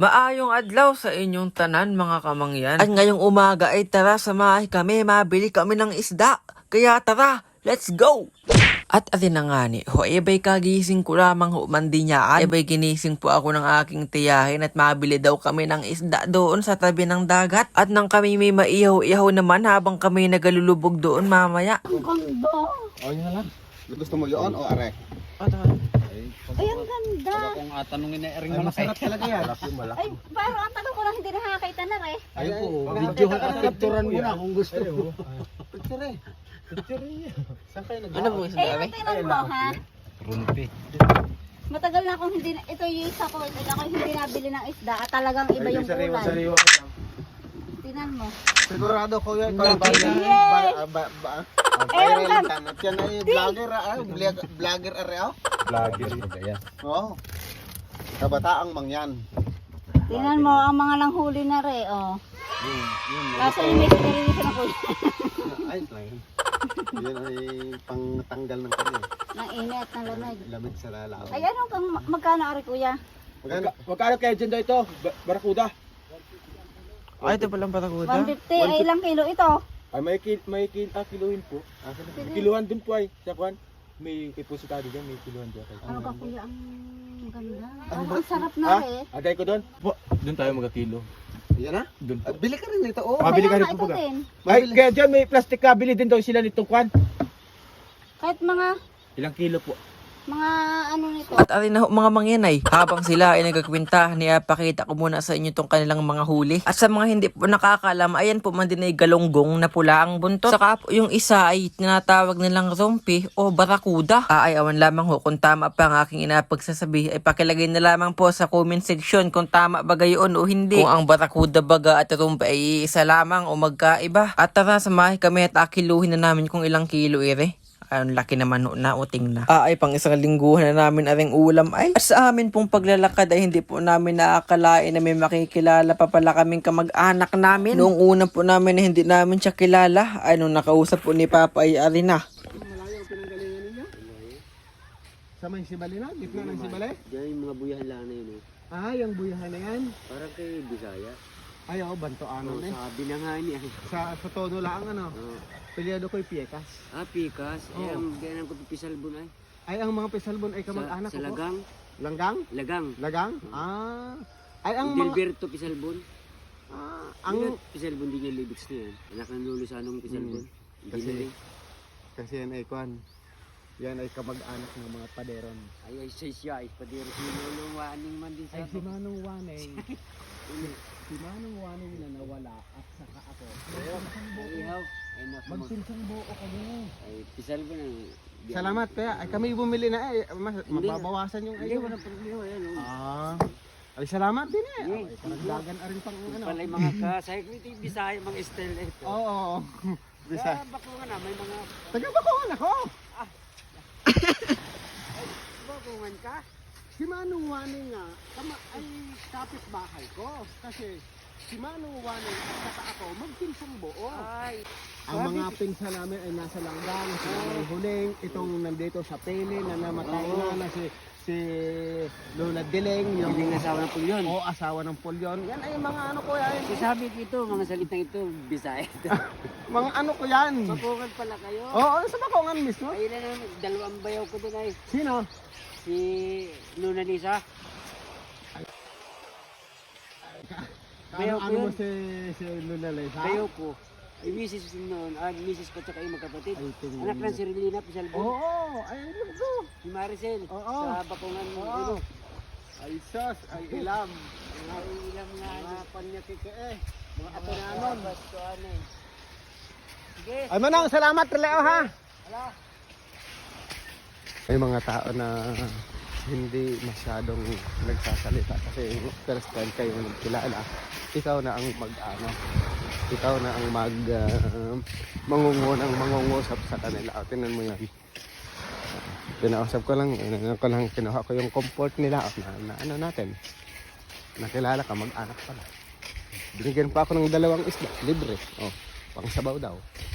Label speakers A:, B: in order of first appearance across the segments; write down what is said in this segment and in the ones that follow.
A: Maayong adlaw sa inyong tanan mga kamangyan. At ngayong umaga ay tara samahay kami, mabili kami ng isda. Kaya tara, let's go! At atin na nga ni, iba'y kagising ko lamang humandi niyaan. Iba'y ginising po ako ng aking tiyahin at mabili daw kami ng isda doon sa tabi ng dagat. At nang kami may maihaw-ihaw naman habang kami nagalulubog doon mamaya.
B: Ang ganda!
C: O, yun na lang. Gusto mo yun o are?
B: Ay, ang ganda!
D: Kung tanungin na ring
C: Ay, masarap talaga yan.
B: Ay, parang ang tanong ko lang hindi nakakita na rin.
D: Ayun po,
C: video
D: at picturean mo na kung gusto mo.
C: Picture eh. Picture eh. Saan kayo nag-
A: Ano po
B: Eh, yung tingnan mo ha?
D: Rumpi.
B: Matagal na akong hindi, ito yung isa ko, ako hindi nabili ng isda at talagang iba yung kulay.
C: Sariwa.
B: Tingnan mo.
C: Sigurado ko yan.
B: Yay!
C: Viral ka. At yan ay vlogger vlogger are o?
D: Vlogger.
C: Oo. Kabataang mangyan.
B: Tingnan mo, ang mga nanghuli na rin, oh. Kaso yung may sinilinisan ako
C: Ay, yan ay pangtanggal ng kanya.
B: ng init, ng lamig.
C: Lamig sa lalaw.
B: Ay, ano kang magkano ari kuya?
D: Magkano kayo dyan daw ito? Barakuda?
A: Ay, ito palang patakuda.
B: 150, ay ilang kilo ito?
D: Ay, kiluhin po. Kiluhan din po ay. Sa kwan, may ipositado dyan, may kiluhan dyan.
B: Ano ka kuya, ang ganda. Ang sarap na rin.
D: Agay ko doon? Doon tayo magkakilo.
C: Yan na?
D: Doon po.
C: Bili ka rin ito. Oh.
D: Mabili ka
B: Kaya
D: rin
B: nga,
D: po
B: ito
D: baga.
B: din.
D: Ay, kaya dyan may plastic ka, bili din daw sila nitong kwan.
B: Kahit mga
D: Ilang kilo po?
B: ano nito.
A: At atin na ho, mga mangyanay, habang sila ay nagkakwenta, pakita ko muna sa inyo itong kanilang mga huli. At sa mga hindi po nakakalam, ayan po man din ay galonggong na pula ang buntot. Saka po yung isa ay tinatawag nilang rumpi o barakuda. Ay awan lamang ho kung tama pa ang aking inapagsasabi, ay pakilagay na lamang po sa comment section kung tama ba gayon o hindi. Kung ang barakuda baga at rumpi ay isa lamang o magkaiba. At tara, samahay kami at akiluhin na namin kung ilang kilo ire. Ang laki naman na uting na. Ay pang isang lingguhan na namin aring ulam ay. At sa amin pong paglalakad ay hindi po namin naakalain na may makikilala pa pala kaming kamag-anak namin. Noong una po namin na hindi namin siya kilala ay nung nakausap po ni Papa ay ari na.
C: Malayo ang pinanggalingan ninyo? Sa may sibali na? Gitna ng sibali?
E: Diyan yung mga buyahan lang na yun eh.
C: Ah, yung buyahan na yan.
E: Parang kay Bisaya.
C: Ay, oo, banto ano eh.
E: Sa binangan niya.
C: Sa tono lang ano. Pilyado ko'y piekas.
E: Pikas.
C: Oo.
E: Ang ganang ko pisalbon ay.
C: Ay, ang mga pisalbon ay kamag-anak
E: Sa
C: ko po.
E: Lagang.
C: Langgang?
E: Lagang.
C: Lagang? Ah. Ay, ang mga...
E: Delberto pisalbon.
C: Ang...
E: Pisalbon din yung lyrics na yan. Anak ng lulo sa anong pisalbon.
C: Kasi- Kasi yan ay kwan. Yan ay kamag-anak ng mga paderon.
E: Ay siya. Ipadiro sinulong waning man din sa
C: Ay, si Manong Waneng. Si Manong Waneng na nawala at saka ako.
E: Ihaw. Ay naku.
C: Magsinsang buo kami.
E: Ay pisalbon ang.
C: Salamat kaya. Ay, kami bumili na eh. Mababawasan yung
E: Hindi,
C: ayo.
E: walang problema. Ayan.
C: Ah. Ay, salamat din eh.
E: Hindi.
C: Ay, karagdagan na rin pang ano.
E: Palay mga kasay ko ito yung Bisaya mga style na ito.
C: Oo. Bisa.
E: Kaya bako nga na may mga
C: Taga-Bacoan ako.
E: bakungan ka.
C: Si Manong Waneng nga, ay kapit-bahay ko. Kasi si Manong Waneng at saka ako, magpinsang buo.
E: Ay.
C: Ang mga pinsa namin ay nasa Langgang, si Manong Huling, itong nandito sa Pele na namatay na si Lola Dileng, yung
E: Hindi asawa ng pulyon.
C: o asawa ng Pulyon. Yan ay mga ano ko yan.
E: Sabi ko ito, mga salitang ito, Bisaya.
C: Mga ano ko yan.
E: Bakungan pala kayo.
C: Oo, sa Bacoan mismo.
E: Ay, na naman, dalawang bayaw ko din ay
C: Sino?
E: si Luna Lisa. Bayaw ko
C: Ano mo
E: yun.
C: si Lola Lisa?
E: Bayaw ko. Ay, misis ko noon. Misis ko tsaka yung magkapatid.
C: Ay, tingnan
E: Anak
C: mo.
E: ng si Relina Pisalbon.
C: Oo, ay alam ko.
E: Si Maricel.
C: Oo.
E: Sa bakungan mo.
C: Oo.
E: Ano?
C: Ay sos, ay ilam.
E: Ay, ilang nga.
C: Mga panyakike eh. Mga apo
E: Mga
C: nanon.
E: basto ano eh. Sige.
C: Ay manang, salamat Leo ha.
E: Hala.
C: May mga tao na hindi masyadong nagsasalita kasi first time kayo nagkilala. Ikaw na ang mag-ano. Ikaw na ang mangungunang mangungusap sa kanila. O, tingnan mo yan. Pinausap ko lang, kinuha ko yung comfort nila na ano natin. Nakilala ka, mag-anak pala. Binigyan pa ako ng 2 isda, libre. Oh, pang sabaw daw.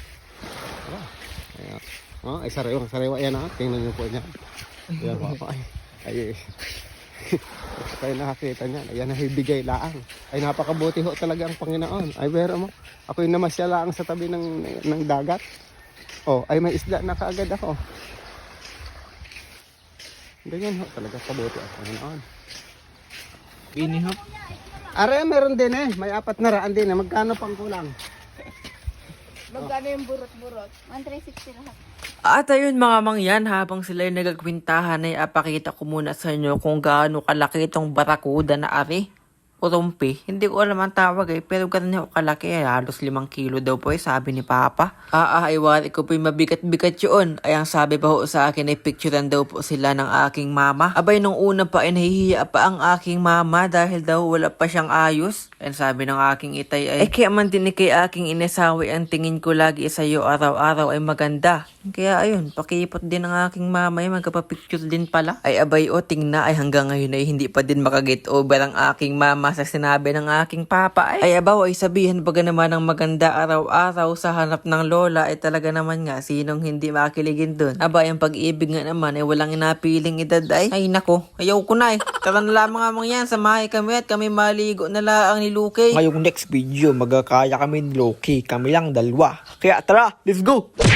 C: Ayan. Oh, ay sariwa yan ha. Tingnan niyo po niya. Ayan po ako. Ay. Kayo nakakita niyan. Ayan ay bigay laang. Ay napakabuti ho talaga ang Panginoon. Ay pero mo, ako'y namasya laang sa tabi ng dagat. Oh, ay may isda na kaagad ako. Ganyan ho talaga kabuti ang Panginoon.
D: Inihap.
C: Are, meron din eh. May 400 din eh. Magkano pang kulang?
B: Magkano yung burot-burot? 1,360 lahat.
A: At ayun mga mangyan, habang sila yung nagagkwintahan ay apakita ko muna sa inyo kung gaano kalaki itong barakuda na ari. Urumpi. Hindi ko alam ang tawag pero ganun yung kalaki. Halos 5 kilo daw po sabi ni Papa. Ay wari ko po yung mabigat-bigat yun. Ay ang sabi pa ho sa akin ay picturean daw po sila ng aking mama. Abay nung una pa ay nahihiya pa ang aking mama dahil daw wala pa siyang ayos. And sabi ng aking itay ay kaya man din kay aking inasawi ang tingin ko lagi sa iyo araw-araw ay maganda. Kaya ayun, pakipot din ng aking mama ay magkapapicture din pala. Ay abay tingna ay hanggang ngayon ay hindi pa din makaget over ang aking mama sa sinabi ng aking papa. Ay abaw ay sabihan baga naman ng maganda araw-araw sa hanap ng lola ay talaga naman nga sinong hindi makiligin dun. Abay ang pag-ibig nga naman ay walang inapiling edad ay nako, ayaw ko na Tara na lamang nga mga yan, samahay kami at kami maligo na laang ni Luke.
F: Ngayong next video, magkakaya kami ni Loki. Kami lang dalawa. Kaya tara, let's go!